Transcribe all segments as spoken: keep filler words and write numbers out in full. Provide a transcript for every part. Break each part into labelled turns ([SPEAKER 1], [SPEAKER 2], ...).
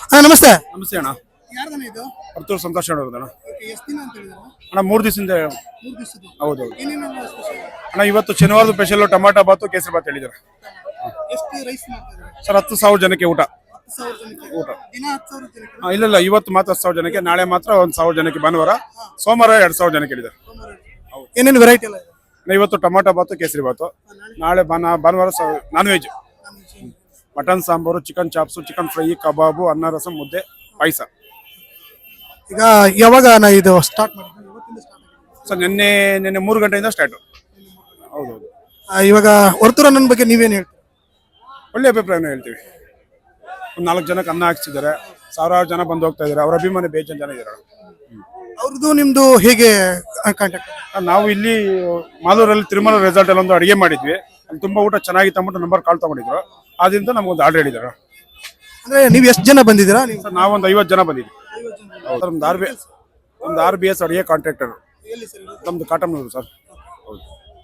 [SPEAKER 1] ಅಣ್ಣ ನಮಸ್ತೆ.
[SPEAKER 2] ನಮಸ್ತೆ ಅಣ್ಣ.
[SPEAKER 1] ಯಾರ್ದಣ್ಣ ಇದು?
[SPEAKER 2] ಪರ್ತೂರು ಸಂತೋಷ್ ಅಣ್ಣ.
[SPEAKER 1] ಎಷ್ಟು ದಿನ ಅಂತ ಹೇಳಿದ್ರು?
[SPEAKER 2] ಅಣ್ಣ ಮೂರು ದಿವಸದಿಂದ.
[SPEAKER 1] ಮೂರು ದಿವಸದ್ದು.
[SPEAKER 2] ಹೌದು
[SPEAKER 1] ಏನೇನು ಸ್ಪೆಷಲ್?
[SPEAKER 2] ಅಣ್ಣ ಇವತ್ತು ಶನಿವಾರದ ಸ್ಪೆಷಲ್ ಟೊಮಾಟೊ ಬಾತು ಕೇಸರಿ ಬಾತ್ ಹೇಳಿದ್ದಾರೆ
[SPEAKER 1] ಎಷ್ಟು ರೈಸ್ ಮಾಡ್ತಾ ಇದ್ದಾರೆ
[SPEAKER 2] ಸರ್. ಹತ್ತು ಸಾವಿರ ಜನಕ್ಕೆ ಊಟ.
[SPEAKER 1] ಹತ್ತು ಸಾವಿರ ಜನಕ್ಕೆ
[SPEAKER 2] ಊಟ
[SPEAKER 1] ದಿನ ಹತ್ತು ಸಾವಿರ ಜನಕ್ಕೆ?
[SPEAKER 2] ಆ, ಇಲ್ಲ ಇಲ್ಲ ಇವತ್ತು ಮಾತ್ರ ಹತ್ತು ಸಾವಿರ ಜನಕ್ಕೆ, ನಾಳೆ ಮಾತ್ರ ಒಂದು ಸಾವಿರ ಜನಕ್ಕೆ, ಭಾನುವಾರ ಸೋಮವಾರ ಎರಡು ಸಾವಿರ ಜನಕ್ಕೆ ಹೇಳಿದ್ದಾರೆ.
[SPEAKER 1] ಏನೇನು ವೆರೈಟಿ ಎಲ್ಲ ಇದೆ?
[SPEAKER 2] ಅಣ್ಣ, ಇವತ್ತು ಟೊಮಾಟೊ ಬಾತು ಕೇಸರಿ ಬಾತು, ನಾಳೆ ಭಾನ ಭಾನುವಾರ non veg, mutton sambar, chicken chops, chicken fry, ಕಬಾಬು, ಅನ್ನ ರಸಂ, ಮುದ್ದೆ, ಪಾಯಸ.
[SPEAKER 1] ಈಗ ಯಾವಾಗ ನಾ ಇದು ಸ್ಟಾರ್ಟ್ ಮಾಡಿದ್ವಿ? ಇವತ್ತಿಂದ ಸ್ಟಾರ್ಟ್ ಆಗಿದೆ
[SPEAKER 2] ಸರ್. ನಿನ್ನೆ ನಿನ್ನೆ ಮೂರು ಗಂಟೆಯಿಂದ ಸ್ಟಾರ್ಟು. ಹೌದೌದು.
[SPEAKER 1] ಇವಾಗ ವರ್ತೂರ್ ನನ್ನ ಬಗ್ಗೆ ನೀವೇನು ಹೇಳ್ತೀರಿ?
[SPEAKER 2] ಒಳ್ಳೆ ಅಭಿಪ್ರಾಯನ ಹೇಳ್ತೀವಿ. ಒಂದು ನಾಲ್ಕು ಜನಕ್ಕೆ ಅನ್ನ ಹಾಕ್ಸಿದ್ದಾರೆ, ಸಾವಿರಾರು ಜನ ಬಂದು ಹೋಗ್ತಾ ಇದ್ದಾರೆ. ಅವ್ರ ಅಭಿಮಾನಿ ಬೇಜನ್ ಜನ ಇದ್ದಾರೆ.
[SPEAKER 1] ಅವ್ರದ್ದು ನಿಮ್ದು ಹೇಗೆ ಕಾಂಟ್ಯಾಕ್ಟ್?
[SPEAKER 2] ನಾವು ಇಲ್ಲಿ ಮಾಲೂರಲ್ಲಿ ತಿರುಮಲ ರೆಸಾರ್ಟ್ ಅಲ್ಲಿ ಒಂದು ಅಡಿಗೆ ಮಾಡಿದ್ವಿ. ಅಲ್ಲಿ ತುಂಬಾ ಊಟ ಚೆನ್ನಾಗಿತ್ತು ಅಂದ್ಬಿಟ್ಟು ನಂಬರ್ ಕಾಲ್ ತಗೊಂಡಿದ್ರು. ಆದ್ರಿಂದ ನಮ್ಗೊಂದು ಆರ್ಡರ್ ಹೇಳಿದ್ದಾರೆ.
[SPEAKER 1] ಅಂದ್ರೆ ನೀವು ಎಷ್ಟು ಜನ ಬಂದಿದ್ದೀರಾ? ನೀವು
[SPEAKER 2] ಸರ್ ನಾವೊಂದು ಐವತ್ತು ಜನ ಬಂದಿದ್ವಿ. ಒಂದು ಆರ್ ಬಿ ಒಂದು ಆರ್ ಬಿ ಎಸ್ ಅಡಿಗೆ ಕಾಂಟ್ರಾಕ್ಟರ್ ನಮ್ದು ಕಾಟಮ್ನೂರು ಸರ್. ಹೌದು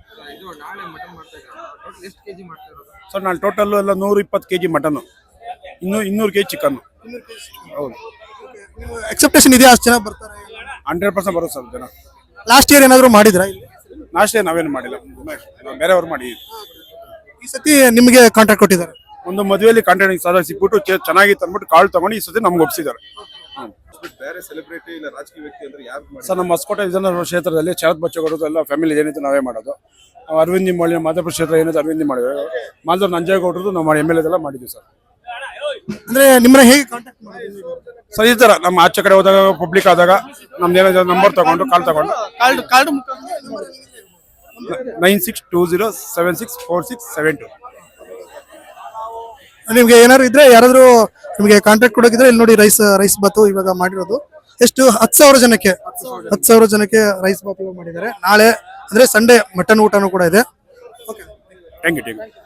[SPEAKER 2] ಸರ್. ನಾನು ಟೋಟಲ್ ಎಲ್ಲ ನೂರ ಇಪ್ಪತ್ತು ಕೆ ಜಿ ಮಟನ್ನು, ಇನ್ನೂ ಇನ್ನೂರು ಕೆ ಜಿ ಚಿಕನ್ನು. ಹೌದು.
[SPEAKER 1] ಎಕ್ಸೆಪ್ಟೇಷನ್ ಇದೆಯಾ? ಅಷ್ಟು ಜನ ಬರ್ತಾರೆ?
[SPEAKER 2] ಹಂಡ್ರೆಡ್ ಪರ್ಸೆಂಟ್ ಬರುತ್ತೆ ಸರ್ ಜನ.
[SPEAKER 1] ಲಾಸ್ಟ್ ಇಯರ್ ಏನಾದ್ರು ಮಾಡಿದ್ರಾ ಇಲ್ಲಿ?
[SPEAKER 2] ನಾಷ್ಟೇ ನಾವೇನು ಮಾಡಿಲ್ಲ, ನಾವು ಬೇರೆಯವ್ರು ಮಾಡಿದ್ವಿ.
[SPEAKER 1] ಈ ಸತಿ ನಿಮಗೆ ಕಾಂಟ್ರಾಕ್ಟ್ ಕೊಟ್ಟಿದ್ದಾರೆ?
[SPEAKER 2] ಒಂದು ಮದುವೆಯಲ್ಲಿ ಕಾಂಟ್ರಾಕ್ಟ್ ಸಾಲ ಸಿಕ್ಬಿಟ್ಟು ಚೆ- ಚೆನ್ನಾಗಿತ್ತು ಅಂದ್ಬಿಟ್ಟು ಕಾಲ್ ತಗೊಂಡು ಈ ಸತಿ ನಮ್ಗೆ ಒಪ್ಪಿಸಿದ್ದಾರೆ.
[SPEAKER 3] ಬೇರೆ ಸೆಲೆಬ್ರಿಟಿ ಇಲ್ಲ ರಾಜಕೀಯ ವ್ಯಕ್ತಿ ಅಂದ್ರೆ ಯಾರು ಮಾಡಿ?
[SPEAKER 2] ಸರ್ ನಮ್ಮ ಹೊಸಕೋಟೆ ವಿಧಾನಸಭಾ ಕ್ಷೇತ್ರದಲ್ಲಿ ಶರತ್ ಬಚ್ಚೇಗೌಡರು ಎಲ್ಲ ಫ್ಯಾಮಿಲಿ ಏನಿತ್ತು ನಾವೇ ಮಾಡೋದು. ನಾವು ಅರವಿಂದ್ ನಿಂಬಾಳಿ ಮಾಧವಪುರ ಕ್ಷೇತ್ರ ಏನಿದೆ ಅರವಿಂದ್ ಮಾಡಿದ್ವಿ. ಮಾಧವ್ ನಂಜೇಗೌಡರದು ನಾವು ಮಾಡಿ ಎಮ್ ಎಲ್ ಎದೆಲ್ಲ ಮಾಡಿದ್ವಿ ಸರ್.
[SPEAKER 1] ಅಂದ್ರೆ ನಿಮ್ಮನ್ನ ಹೇಗೆ ಕಾಂಟ್ಯಾಕ್ಟ್ ಮಾಡಿದ್ರಿ?
[SPEAKER 2] ಸರ್ ಈ ಥರ ನಮ್ಮ ಆಚೆ ಕಡೆ ಹೋದಾಗ ಪಬ್ಲಿಕ್ ಆದಾಗ ನಮ್ದು ಏನಾದ್ರು ನಂಬರ್ ತಗೊಂಡು ಕಾಲ್ ತಗೊಂಡು
[SPEAKER 1] card card
[SPEAKER 2] nine six two zero seven six four six seven two.
[SPEAKER 1] ನಿಮ್ಗೆ ಏನಾದ್ರು ಇದ್ರೆ ಯಾರಾದ್ರೂ ನಿಮಗೆ ಕಾಂಟ್ರಾಕ್ಟ್ ಕೊಡೋಕಿದ್ರೆ ಇಲ್ಲಿ ನೋಡಿ ರೈಸ್ ರೈಸ್ ಬಾತು ಇವಾಗ ಮಾಡಿರೋದು. ಎಷ್ಟು? ಹತ್ತು ಸಾವಿರ ಜನಕ್ಕೆ ಹತ್ತು ಸಾವಿರ ಜನಕ್ಕೆ ರೈಸ್ ಬಾತ್ ಇವಾಗ ಮಾಡಿದ್ದಾರೆ. ನಾಳೆ ಅಂದ್ರೆ ಸಂಡೇ ಮಟನ್ ಊಟನೂ ಕೂಡ ಇದೆ.
[SPEAKER 2] Thank you thank you